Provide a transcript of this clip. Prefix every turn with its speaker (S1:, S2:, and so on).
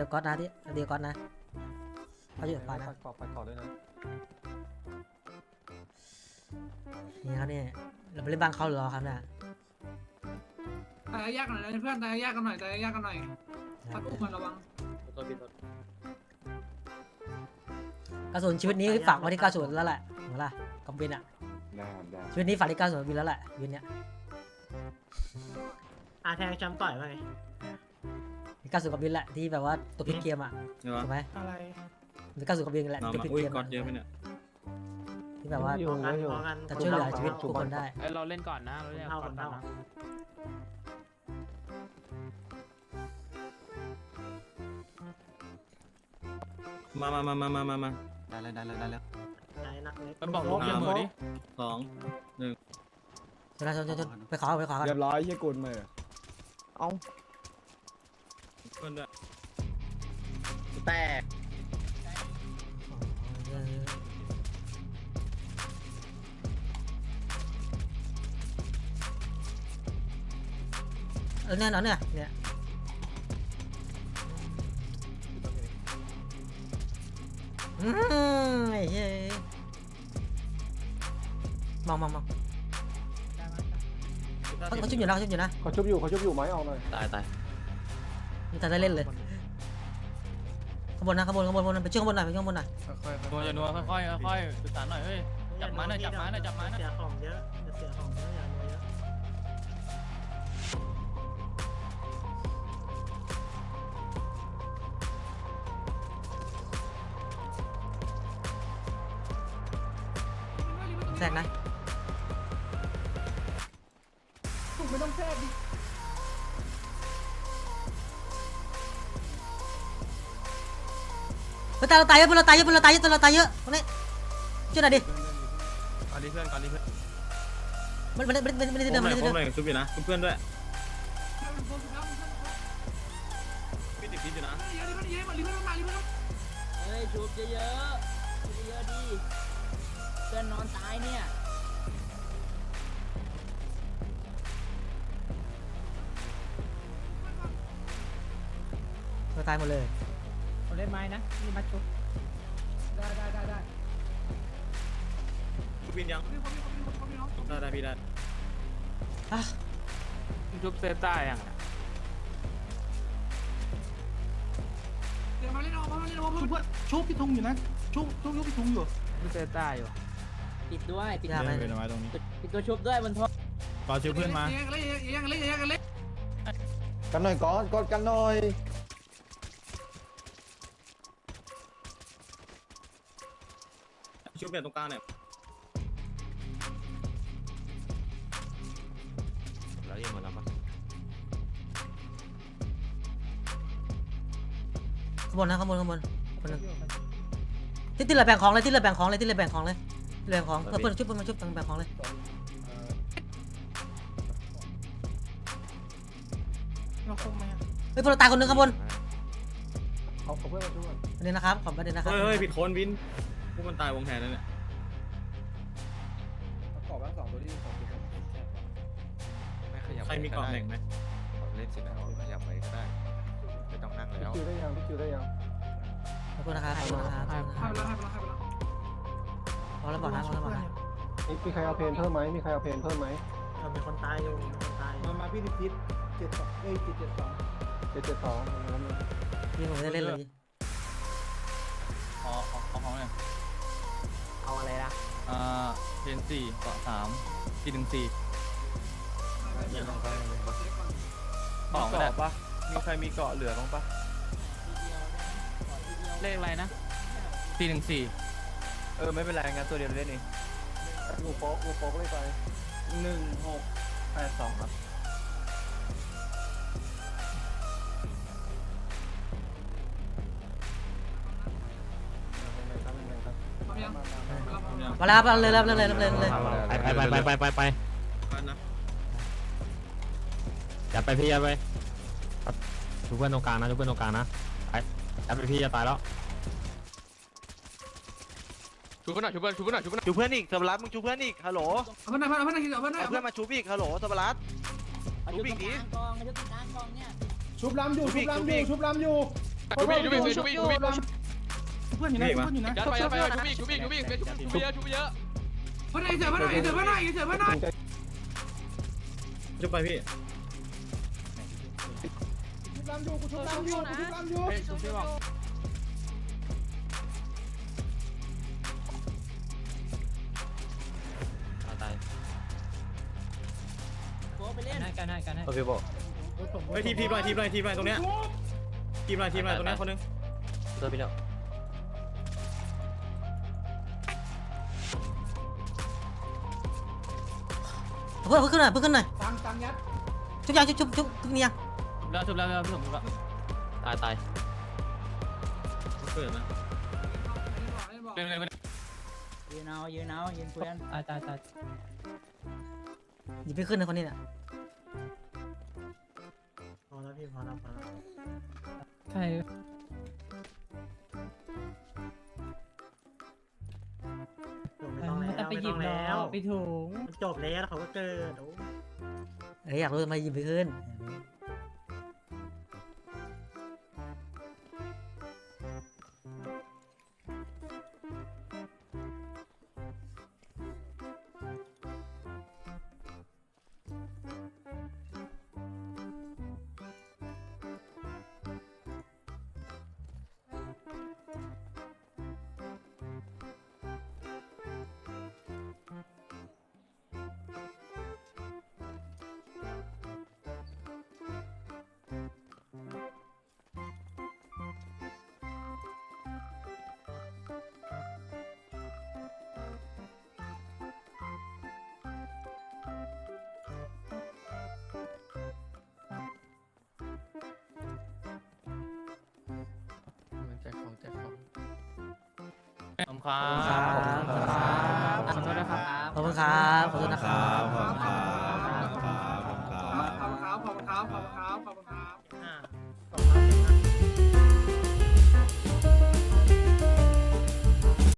S1: กับก๊อตนะที่เดียวก๊อตนะเขาอยู่กับก๊อตนะ
S2: ปัดก่อนด้วยนะ
S1: นี่ครับนี่เราไปเล่นบ้านเขาหรือรอครับเนี่ย
S3: ตายยากหน่อยนะเพื่อนตายยากกันหน่อยตายยากกันหน่อยพัดอุ้มมันระวัง
S1: กระสุนชีวิตนี้ฝากไว้ที่90แล้วแหละเหมือนล่ะกำบินอ่ะ
S2: ได้
S1: ชีวิตนี้ฝากที่90บินแล้วแหละบินเนี้ย
S4: แทงจำต่อยว่าไง
S1: ที่90กับบินแหละที่แบบว่าตัวพลิกเกมอ่ะถูกไหม
S4: อะไร
S1: ที่90กับบินแหละตัวพลิกเกมอะที่แบบว่า
S4: พอกัน
S1: จะช่วยเหลือชีวิตทุกคนได้
S5: เราเล่นก่อนนะเราเล่นก่อนนะ
S6: มาได้แล้ว
S4: ไหนนักเล็ก
S5: มันบอกลูกเดียวมือดิ
S1: ชนไปขอกัน
S2: เรียบร้อยเฮียกุลมือ
S6: เพื่อนด้วย
S4: แตก
S1: แน่นอนเนี่ยไอ้เฮ้ยมองเขาชุบอยู่นะ
S2: เขาชุบอยู่ไม้ออกหน่อย
S6: ตาย
S1: มันจะได้เล่นเลยข้างบนนะไปช่วยข้างบนหน่อย
S5: นัวจะนัวค่อยสื่อสารหน่อยเฮ้ยจับมาหน่อย
S4: เสียของเยอะเสียของเยอะอย่าเยอะ
S1: แทรกนะไม่ต้องแทรกดิเราตายเยอะตรงนี้ช่วยหน่อยดิ
S6: ก่อนดีเพื่อน
S1: มันได้
S6: ผมหน่อยชุบอยู่นะเพื่อนด้วยพี่ติดพิษอยู่นะ
S7: เฮ้ยชุบเยอะๆดิเพื่อนนอนตายเนี่ย
S1: เราตายหมดเลย
S7: เล่นไม้นะนี่มาชุบ
S3: ได้
S6: ชุบวินยังได้พี่ได้
S5: ชุบเซต้ายัง
S3: เดี๋ยวมาเล่นเอาเพื่อน
S4: ชุบพี่ทุงอยู่นะชุบพี่ทุงอยู่
S5: ชุบเซต้าอยู่
S7: ปิดด้วยปิด
S1: ยากไหม
S7: ปิดตัวชุบด้วยบนท้อง
S6: รอชุบเพื่อนมา
S3: ยังเล่น
S2: กันหน่อยก่อนกดกันหน่อย
S6: ชุบเนี่ยตรงกลางเนี่ยแล้วยังหมดแล้วปะ
S1: ข้างบนที่เหลือแบ่งของเลยเพื่อนชุบมาชุบแบ่งของเลยเฮ้ยพวกเราตายคนนึงข้างบน
S2: เอาเพื่อนมาช่วย
S1: ประเด็นนะครับขอประเด็นนะครับ
S6: เฮ้ยผิดคนวินพวกมันตายวงแทนแล้วเนี่ย
S2: ขอบ้าง2ตัวที่2ตัว
S6: ใครมีกล่องแหน่งไหม
S8: เล่นสินะขยับไปก็ได้ไม่ต้องนั่งแล้ว
S2: คิวได้ยัง
S1: ขอบคุณนะครับ
S3: ให้ไปแล้ว
S1: พอแล้วบอกนะ
S2: มีใครเอาเพนเพิ่มไหมมี
S4: มีคนตายอยู่มาพี่พิษ772
S1: พี่ผมไม่ได้เล่นเลย
S5: ขอของหน่อย
S4: เอาอะไรล่ะ
S5: เพน4เกาะ3ที่1 4ของก็ได้ปะมีใครมีเกาะเหลือบ้างปะเลขอะไรนะที่1 4ไม่เป็นไรงั้นตัวเดียวเล่นเอง
S2: งูโป๊กเลยไป
S5: 1682ครับ
S1: มาแล้วครับเลย
S6: ไปนะ
S9: อย่าไปพี่อย่าไปชูเพื่อนตรงกลางนะไปอย่าไปพี่จะตายแล้ว
S5: ชูเพื่อนชูเพื่อนอีกสำรับมึงชูเพื่อนอีกฮัลโหล
S3: เอาเพื่อน
S5: มาชูอีกฮัลโหลสำรับ
S7: ชุบอีกทีกองชุบกลางกองเนี่ย
S2: ชุบล้ำอยู่
S8: ชูบี้ชูบี้ชูบี้ชูบี้
S6: เพื่อนอยู่นะเพื่อนอยู่นะ
S8: ยัดไปยัดไปชูบี้ชูบี้ชูบี้ชูบี้เยอะชูบี้เยอะ
S3: เพื่อนไหนเสือเพื่อนไหนเสือเพื่อนไหนเสือเพื่อนไหน
S6: จะไปพี่
S7: ลำอยู่กูชุบลำอยู่นะ
S5: เฮ้ยชุบพี่บอก
S9: ตาย
S7: โบไปเล่น
S5: กันให้
S9: โอเคบอก
S6: เฮ้ยทีมหน่อยตรงเนี้ยทีมหน่อยตรงเนี้ยคนนึง
S9: ตัวพี่แล้ว
S1: เพื่อนขึ้นหน่อยเพื่อนขึ้นหน่อย
S4: ตังยัด
S1: ชุบยังชุบนี่ยัง
S5: ชุบแล้วพี่สมชุบแล้ว
S9: ตาย
S6: เกิดนะ
S5: เล่น
S7: ยืนเอายืนเพื่อน
S5: ตาย
S1: หยิบไปขึ้นนะคนนี้น่ะ
S4: พอแล้วพี่พอแล้ว
S5: ใช่
S4: ไม่ต้องแล้ว
S5: ไปถุง
S4: มันจบแล้วเขาก็เกิด
S1: อยากรู้ทำไมหยิบไปขึ้น
S5: แจกของ
S1: ขอบคุณครับขอโทษนะครับขอบคุณครับ
S3: ขอบคุณครับขอบคุณครับขอบคุณครับขอบคุณครับ
S4: 2